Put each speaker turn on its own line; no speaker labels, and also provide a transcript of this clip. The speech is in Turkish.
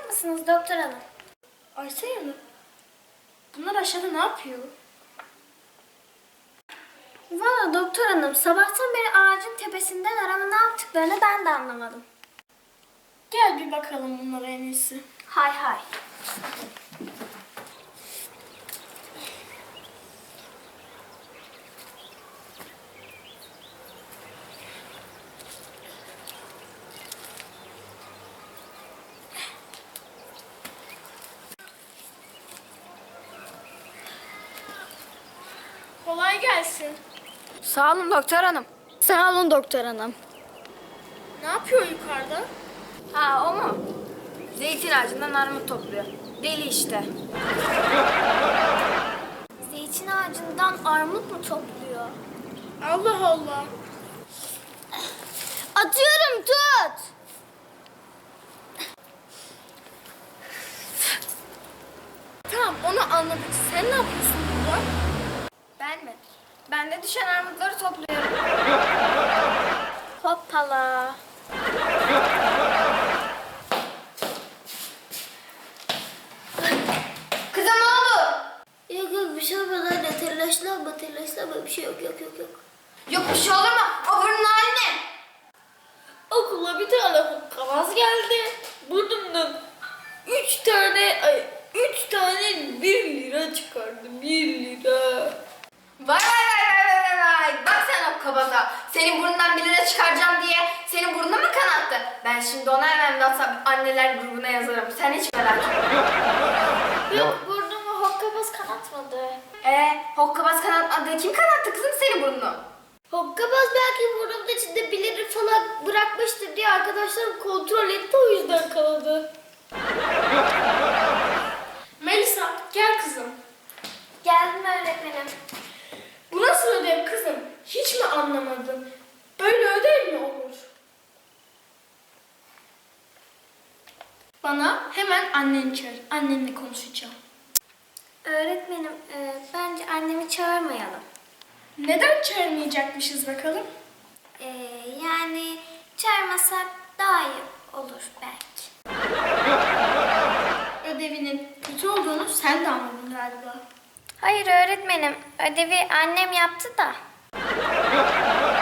mısınız doktor hanım?
Aysel Hanım, bunlar aşağıda ne yapıyor?
Valla doktor hanım, sabahtan beri ağacın tepesinden arama ne yaptıklarını ben de anlamadım.
Gel bir bakalım bunlara en iyisi.
Hay hay.
Kolay gelsin.
Sağ olun doktor hanım.
Sağ olun doktor hanım.
Ne yapıyor yukarıda?
Ha o mu? Zeytin ağacından armut topluyor. Deli işte.
Zeytin ağacından armut mu topluyor?
Allah Allah.
Atıyorum, tut.
Tamam, onu anladık. Sen ne yapıyorsun burada?
Ben mi? Ben de düşen armutları topluyorum.
Hoppala.
Kızım ne oldu?
Yok yok, bir şey olmadı anne. Telaşlanma bir şey yok.
Yok bir şey olur mu? O burnun hali ne?
Okula bir tane hokkabaz geldi. Burnumdan üç tane 1 lira çıkardı. 1 lira.
Vay. Bak sen o kabaza. Senin burnundan 1 lira çıkaracağım diye senin burnuna mı kanattı? Ben şimdi ona hemen WhatsApp anneler grubuna yazarım. Sen hiç merak etme.
Yok, burnumu hokkabaz kanatmadı.
Hokkabaz kanatmadı. Kim kanattı kızım senin burnunu?
Hokkabaz belki burnumun içinde 1 lira falan bırakmıştır diye arkadaşlarım kontrol etti, o yüzden kanadı.
Melisa, gel kızım.
Geldim öğretmenim.
Bu nasıl ödev kızım? Hiç mi anlamadın? Böyle ödev mi olur? Bana hemen anneni çağır. Annenle konuşacağım.
Öğretmenim, bence annemi çağırmayalım.
Neden çağırmayacakmışız bakalım?
Yani çağırmasak daha iyi olur belki.
Ödevinin kötü olduğunu sen de anladın galiba.
Hayır öğretmenim, ödevi annem yaptı da.